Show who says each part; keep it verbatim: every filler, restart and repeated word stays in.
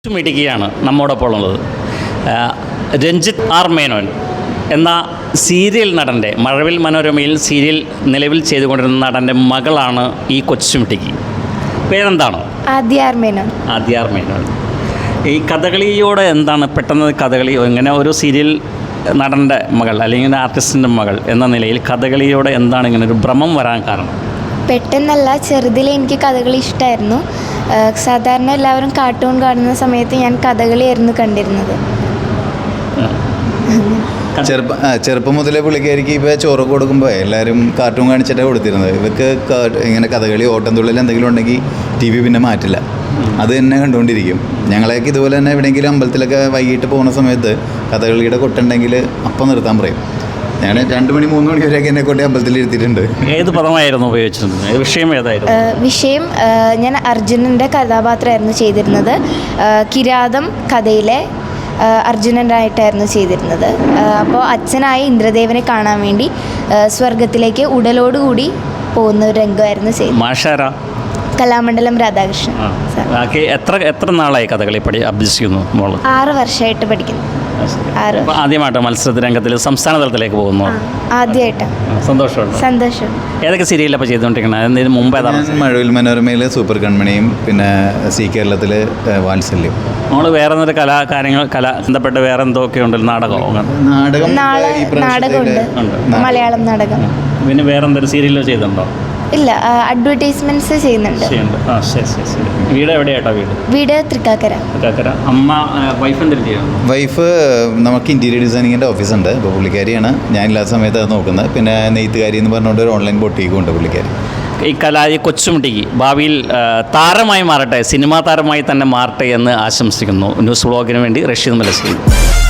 Speaker 1: മിടുക്കിയാണ് നമ്മോടൊപ്പം ഉള്ളത്. രഞ്ജിത്ത് ആർ മേനോൻ എന്ന സീരിയൽ നടൻ്റെ, മഴവിൽ മനോരമയിൽ സീരിയൽ നിലവിൽ ചെയ്തുകൊണ്ടിരുന്ന നടൻ്റെ മകളാണ് ഈ കൊച്ചുമിടുക്കി. പേരെന്താണ്?
Speaker 2: ആദ്യ ആർ മേനോൻ.
Speaker 1: ആദ്യ ആർ മേനോൻ. ഈ കഥകളിയോട് എന്താണ് പെട്ടെന്ന് കഥകളി, ഇങ്ങനെ ഒരു സീരിയൽ നടൻ്റെ മകൾ അല്ലെങ്കിൽ ആർട്ടിസ്റ്റിൻ്റെ മകൾ എന്ന നിലയിൽ കഥകളിയോട് എന്താണ് ഇങ്ങനെ ഒരു ഭ്രമം വരാൻ കാരണം?
Speaker 2: പെട്ടെന്നല്ല, ചെറുതിലെ എനിക്ക് കഥകളി ഇഷ്ടമായിരുന്നു. സാധാരണ എല്ലാവരും കാർട്ടൂൺ കാണുന്ന സമയത്ത് ഞാൻ കഥകളിയായിരുന്നു കണ്ടിരുന്നത്.
Speaker 3: ചെറുപ്പം ചെറുപ്പം മുതലേ പുള്ളിക്കാരിക്ക് ഇപ്പോൾ ചോറ് കൊടുക്കുമ്പോൾ എല്ലാവരും കാർട്ടൂൺ കാണിച്ചിട്ടാണ് കൊടുത്തിരുന്നത്. ഇവർക്ക് ഇങ്ങനെ കഥകളി, ഓട്ടംതുള്ളൽ എന്തെങ്കിലും ഉണ്ടെങ്കിൽ ടി വി പിന്നെ മാറ്റില്ല, അത് തന്നെ കണ്ടുകൊണ്ടിരിക്കും. ഞങ്ങളെയൊക്കെ ഇതുപോലെ തന്നെ എവിടെയെങ്കിലും അമ്പലത്തിലൊക്കെ വൈകിട്ട് പോകുന്ന സമയത്ത് കഥകളിയുടെ കൊട്ടുണ്ടെങ്കിൽ അപ്പം നിർത്താൻ പറയും. ഞാൻ രണ്ട് മണി മൂന്ന് മണി വരെയൊക്കെ എന്നെ കൊണ്ട് അമ്പലത്തിൽ ഇരുത്തിയിട്ടുണ്ട്.
Speaker 1: ഏത് പദമായിരുന്നു ഉപയോഗിച്ചിരുന്നത്? വിഷയം ഏതായിരുന്നു?
Speaker 2: വിഷയം ഞാൻ അർജുനൻ്റെ കഥാപാത്രമായിരുന്നു ചെയ്തിരുന്നത്. കിരാതം കഥയിലെ അർജുനനായിട്ടായിരുന്നു ചെയ്തിരുന്നത്. അപ്പോൾ അച്ഛനായി ഇന്ദ്രദേവനെ കാണാൻ വേണ്ടി സ്വർഗത്തിലേക്ക് ഉടലോടുകൂടി പോകുന്ന ഒരു രംഗമായിരുന്നു ചെയ്തത്.
Speaker 1: മാഷാര
Speaker 2: കലാമണ്ഡലം രാധാകൃഷ്ണൻ.
Speaker 1: എത്ര എത്ര നാളായി കഥകളി പഠി അഭ്യസിക്കുന്നു മോള്?
Speaker 2: ആറ് വർഷമായിട്ട് പഠിക്കുന്നു. ആറ്.
Speaker 1: ആദ്യമായിട്ട് മത്സര രംഗത്തിൽ സംസ്ഥാന തലത്തിലേക്ക് പോകുന്നു?
Speaker 2: ആദ്യമായിട്ട്.
Speaker 1: സന്തോഷമുണ്ട്.
Speaker 2: സന്തോഷം.
Speaker 1: ഏതൊക്കെ സീരിയലപ്പോൾ ചെയ്തുകൊണ്ടിരിക്കുന്നത്? ഇതിന് മുമ്പ്
Speaker 3: മഴവിൽ മനോരമയിൽ സൂപ്പർ കൺമണിയും പിന്നെ സി കേരളത്തിൽ വാത്സല്യം.
Speaker 1: നമ്മൾ വേറെ എന്തൊരു കലാകാര്യങ്ങൾ കല ബന്ധപ്പെട്ട് വേറെ എന്തൊക്കെ ഉണ്ടല്ലോ? നാടകമോ?
Speaker 3: നാടകം
Speaker 2: നാടകമുണ്ട്, മലയാളം നാടകം.
Speaker 1: പിന്നെ വേറെ എന്തൊരു സീരിയലോ ചെയ്തിട്ടുണ്ടോ?
Speaker 2: ഇല്ല, അഡ്വർടൈസ്മെന്റ്സ് ചെയ്യുന്നുണ്ട്.
Speaker 1: ആ ശരി ശരി ശരി. വീട് എവിടെയാട്ടോ? വീട്
Speaker 2: വീട് തൃക്കാക്കര.
Speaker 1: തൃക്കാക്കര. അമ്മ വൈഫ് എന്തെങ്കിലും ചെയ്യുന്നു?
Speaker 3: വൈഫ് നമുക്ക് ഇൻറ്റീരിയർ ഡിസൈനിങ്ങിൻ്റെ ഓഫീസുണ്ട്. അപ്പോൾ പുള്ളിക്കാരിയാണ്, ഞാനില്ലാത്ത സമയത്ത് അത് നോക്കുന്നത്. പിന്നെ നെയ്ത്തുകാരി എന്ന് പറഞ്ഞുകൊണ്ട് ഒരു ഓൺലൈൻ ബൊട്ടീക്കും ഉണ്ട് പുള്ളിക്കാരി.
Speaker 1: ഈ കലാ ഈ കൊച്ചുമിടുക്കി ഭാവിയിൽ താരമായി മാറട്ടെ, സിനിമാ താരമായി തന്നെ മാറട്ടെ എന്ന് ആശംസിക്കുന്നു. ന്യൂസ് ബ്ലോഗിന് വേണ്ടി റഷീദ് മലശ്ശേരി.